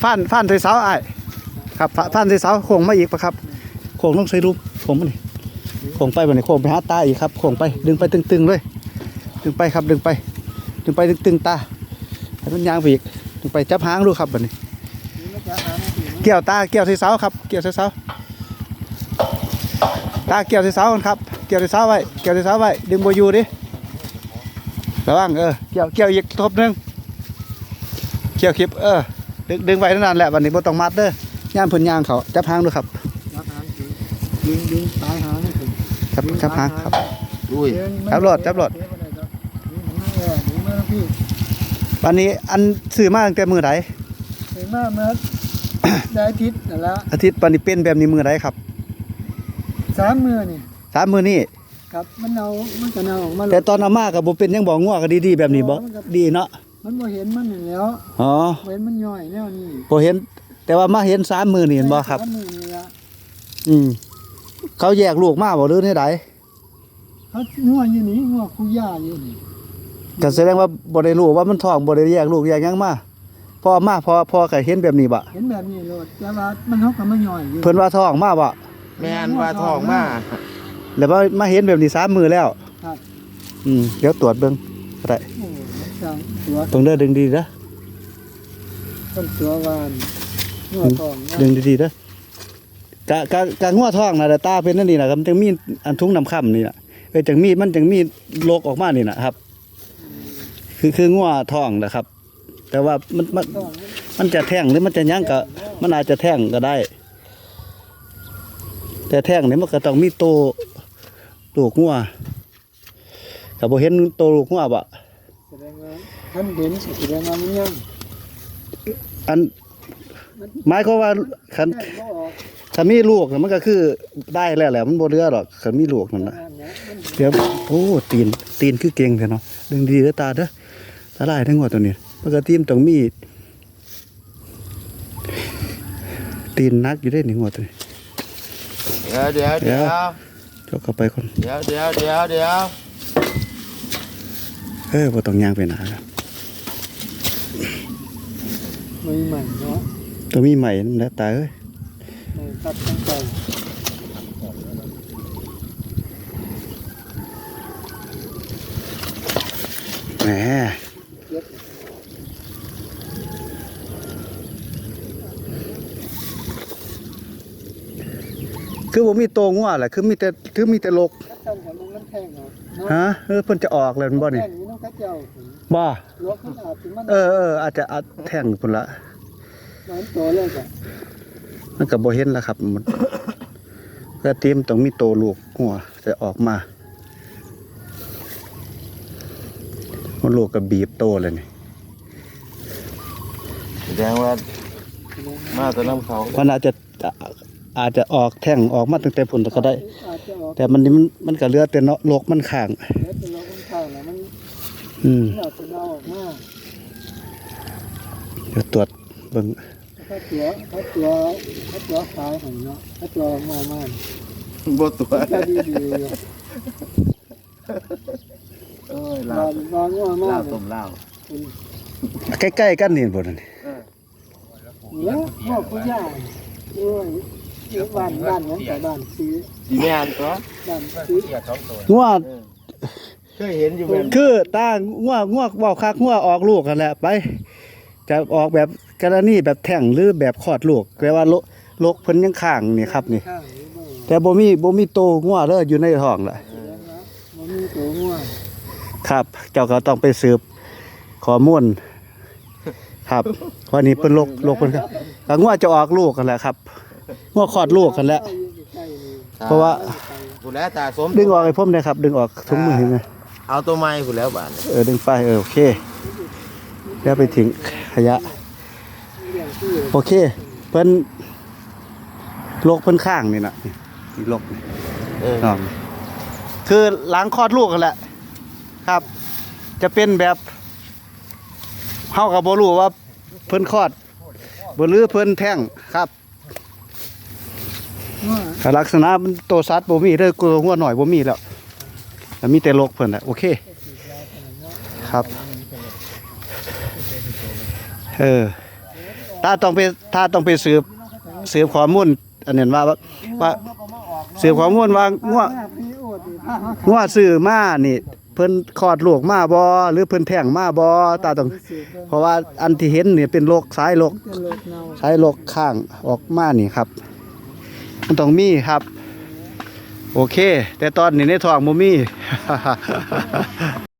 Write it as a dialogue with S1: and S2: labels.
S1: ฟ้านใส่เสาไอ้ครับฟ้านใส่เสาโค้งมาอีกปะครับโค้งต้องใส่รูปโค้งมานี่โค้งไปแบบนี้โค้งไปหาตาอีกครับโค้งไปดึงไปตึงๆเลยดึงไปครับดึงไปตึงๆตาให้มันยางไปอีกดึงไปจับหางดูครับแบบนี้เกี่ยวตาเกี่ยวใส่เสาครับเกี่ยวใส่เสาตาเกี่ยวใส่เสาครับเกี่ยวใส่เสาไว้เกี่ยวใส่เสาไว้ดึงโบยูดิระวังเกี่ยวอีกทบนึงเกี่ยวคลิปดึงไว้นั่นแหละวันนี้บ่ต้องมัดเด้อย่างเพิ่นย่างเขาจับหางดูครับ
S2: ดึงตายหางนี่ถึง
S1: จับหางครับ
S3: อุ้ย
S1: จับรถวันนี้อันซื้อมาตั้งแต่มื้อใด
S2: ซื้อมาเมื่อได้อาทิตย์นั่นละ
S1: อาทิตย์วันนี้เป็นแบบนี้มื้อใดครับ
S2: 3 มื้อนี่
S1: 3 มื้อนี้
S2: ครับมันก็เน่าออกมา
S1: แต่ตอนเอามาก็บ่เป็นยังบ่งัวก็ดีๆแบบนี้บ่ดีเนาะ
S2: มันบ่เห็นมันแล้ว
S1: อ๋อ
S2: เห็นมันย่อยแนวนี้
S1: บ่เห็นแต่ว่ามาเห็น3 มื้อนี่เห็นบ่ครับ
S2: 3 มื้อนี่ละ
S1: เขาแยกลูกมาบ่หรือได
S2: เขางัวอยู่นี่งัวคุย่าอยู่นี่
S1: ก็แสดงว่าบ่ได้รู้ว่ามันท้องบ่ได้แยกลูกแยกหยังมาพอก็เห็นแบบนี้บ่
S2: เห็นแบบนี้โลดแต่ว่ามันเฮาก็มาย่อยอยู่
S1: เพิ่นว่าท้องมาบ่
S3: แม่นว่าท้องมา
S1: แล้วมาเห็นแบบนี้3 มื้อแล้ว
S2: ครับ
S1: เดี๋ยวตรวจเบิ่งก็ได้ตรงเด้อดึงดีเด้อ
S2: ต้นตัววานงัวท้อง
S1: ดึงดีๆเด้อกะงัวท้องน่ะตาเป็นนั่นนี่น่ะมันจังมีอันทุงน้ำค่ำนี่น่ะจังมีโรคออกมานี่น่ะครับคืองัวท้องนะครับแต่ว่ามันจะแท่งหรือมันจะยั้งก็มันอาจจะแท่งก็ได้แต่แท่งนี่มันก็ต้องมีโตลูกงัวแต่บ่เห็นโตลูกงัวบ่
S2: แสดงว่าท่านเห็นแสดงว่ามันยัง
S1: อันหมายความว่าถ้ามีลูกมันก็คือได้แล้วแหละมันบ่เหลือหรอกถ้ามีลูกนั่นน่ะเดี๋ยวโอ้ตีนคือเก่งแท้เนาะดึงดีเด้อตาเด้อตาลายทั้งหัวตัวนี้ปกติมันต้องมีตีนนักอยู่ได้1หัวตัวนี้
S3: เดี๋ยว
S1: เจ้าเข้าไปคน
S3: เดี๋ยว
S1: บ่ต้องย่างไปหนาครับ
S2: มีใหม่เนาะ
S1: ตัวมีใหม่นั่นแหละตาเอ้ย
S2: ตัดตั้งใจ
S1: แหมคือบ่มีโตงัวแหละคือมีแต่ลกฮะเพิ่นจะออกแล้วบ่นี่บ่อาจจะแท่งพุ่นละมันก็บ่เห็นแล้วครับมันก็เตรียมต้องมีโตลูกงัวจะออกมามันลูกก็บีบโตเลยนี่
S3: แสดงว่ามาแต่น้ำเขา
S1: มันอาจจะออกแท่งออกมาตั้งแต่ผลก็ได้แต่มันก็เหลือแต่เนาะโลกมันข้างเดี๋ยวตรวจเบิ่ง
S2: ถ้าตัวขายของเนาะถ้าตัวมา
S3: บ่ตัว
S2: ลา
S3: ต้มลาว
S1: ใกล้ๆกันนี่บ่นั่น
S2: เนี่ยพ่อผู้ใหญ่ด้วยบ้านของแต่บ้านซื้อ
S3: สิแม่นตัว
S2: บ้านซื้อ
S1: งัว
S3: เคยเห็นอยู่แม่น
S1: คือตางัวเว้าคักงัวออกลูกกันแหละไปจะออกแบบกรณีแบบแท่งหรือแบบคลอดลูกแปลว่าโรคเพิ่นยังข้างนี่ครับนี่แต่บ่มีโตงัวเด้ออยู่ในท้องล่ะ
S2: บ่มีโตงัว
S1: ครับเจ้าก็ต้องไปสืบข้อมูลครับวันนี้เพิ่นโรคเพิ่นครับงัวจะออกลูกกันแหละครับงัวคลอดลูกกันแล้วเพราะว่า
S3: ผู้แล้วตาสม
S1: ดึงออกให้ผมได้ครับดึงออกถุงมือให้นะ
S3: เอาตัวไม้ผู้แล้วบาด
S1: ดึงไปโอเคแล้วไปทิ้งขยะโอเคเพิ่นโรคเพิ่นข้างนี่น่ะนี่โรคคือหลังคลอดลูกกันแหละครับจะเป็นแบบเฮาก็บ่รู้ว่าเพิ่นคลอดบ่หรือเพิ่นแท้งครับลักษณะมันโตสัตว์บ่มีเด้อกูหัวหน่อยบ่มีแล้วแต่มีแต่โรคเพิ่นน่ะโอเคครับถ้าต้องไปสืบข้อมูลอันนั้นว่าสืบข้อมูลว่างัวซื้อมานี่เพิ่นคลอดลูกมาบ่หรือเพิ่นแท้งมาบ่ตาต้องเพราะว่าอันที่เห็นนี่เป็นโรคสายโรคข้างออกมานี่ครับมันต้องมีครับ โอเค แต่ตอนนี้ในท้องบ่มี